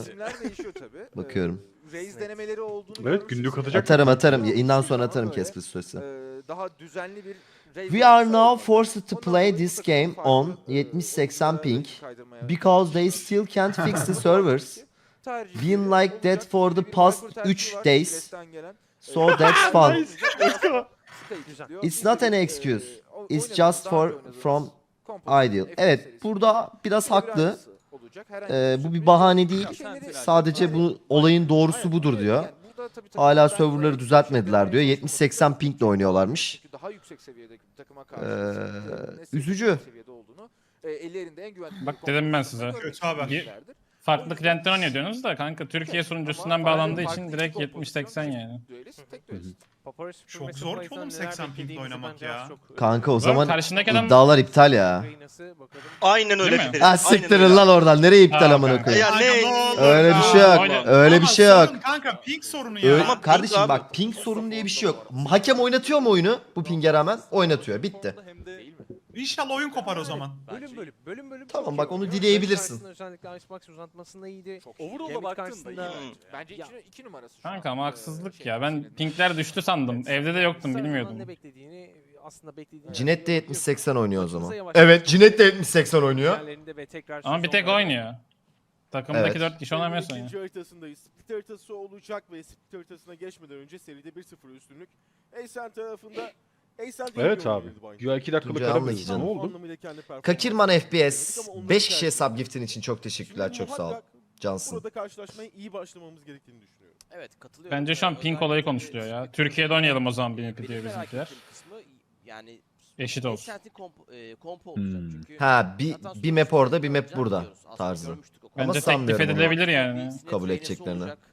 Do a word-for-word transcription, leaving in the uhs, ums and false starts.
İsimler değişiyor tabii. Bakıyorum. Ee, Raze denemeleri olduğunu Evet, görmüşsünüz. günlük atacak. Atarım atarım. Ama Yayından sonra böyle, atarım Casper süresi. e, daha düzenli bir Raze We are oyuncusu now olmadı. forced to Ondan play dolayı bu this takımın game farklı, on e, yetmiş seksen oyunculara ping rakip kaydırmaya because they still can't fix the servers. tercihleri Been like that olacak. for the Bir past Viper tercihi üç var, days. Left'ten gelen. So that's fun. Nice. Let's go. It's not an excuse. It's just for from ideal. Evet, burada biraz haklı. Ee, bu bir bahane değil. Sadece bu olayın doğrusu budur diyor. Hala serverları düzeltmediler diyor. yetmiş seksen pingle oynuyorlarmış. Ee, üzücü. Bak dedim ben size. Kötü haber. Bir- Farklı klientten oynuyor diyorsunuz da kanka Türkiye sunucusundan bağlandığı için direkt yetmiş seksen yani. Çok zor ki oğlum seksen pingle oynamak ya. Kanka o Oğlum zaman karşındaki adam iddialar iptal ya. Aynen öyle Değil mi? Ferit. Ha Aynen siktirin öyle. lan oradan. Nereye iptal Ha, amına kanka. koyayım? Ya ne? Öyle bir şey yok. Aynen. Öyle bir Ama şey yok. sorun Kanka ping sorunu ya. Öyle, Ama kardeşim ping abi. bak ping sorun diye bir şey yok. Hakem oynatıyor mu oyunu? Bu pinge rağmen oynatıyor. Bitti. İnşallah oyun kopar o zaman. Bölüm bölüm bölüm bölüm. Tamam, çok bak iyi onu oynuyor. dileyebilirsin. Karşısında özellikle Icebox uzatmasında iyiydi. Overall'a Gambit baktığında karşısında- iyi bence. Bence iki, iki numarası şu kanka an. ama Ee, haksızlık şey, ya. Ben senin- pinkler düştü sandım. Evde de yoktum Sarı'nın bilmiyordum. Ne beklediğini aslında beklediğini. Cinet de yetmiş seksen oynuyor o zaman. Hızlı yavaş- Evet, Cinet de yetmiş seksen oynuyor. Diğerlerinde ve tekrar Ama bir sezon tek var. oynuyor. Takımdaki Evet. dört kişi oynamıyorsun ya. İkinci haritasındayız. Split haritası olacak ve split haritasına geçmeden önce seride bir sıfır üstünlük. Aysen tarafında Aysen değil Evet bir abi. oyundu bence. Güya iki dakikalık Tuncay ara anla verdi. canım. Ne oldu? Anlamıyla kendi performansı- Kakirman F B S Ama onları beş tercih kişiye sub ediyor. giftin için çok teşekkürler. Şimdi Çok sağ ol. muhakkak Cansın. Burada karşılaşmaya iyi başlamamız gerektiğini düşünüyorum. Evet katılıyorum. Bence şu an pink olayı konuşuluyor ya. Türkiye'de oynayalım o zaman B M P diyor Benim merak bizimkiler. ettiğim kısmı yani Eşit olsun. Ascent'in komp, e, kompo olacak Hmm. çünkü. Ha bir, zaten bir map sonuçta orada bir map olacak burada biliyoruz. Aslında tarzı. görmüştük o Ama Bence teklif sanmıyorum onu. edilebilir yani. Sinet Kabul Reynesi edeceklerini. olacak.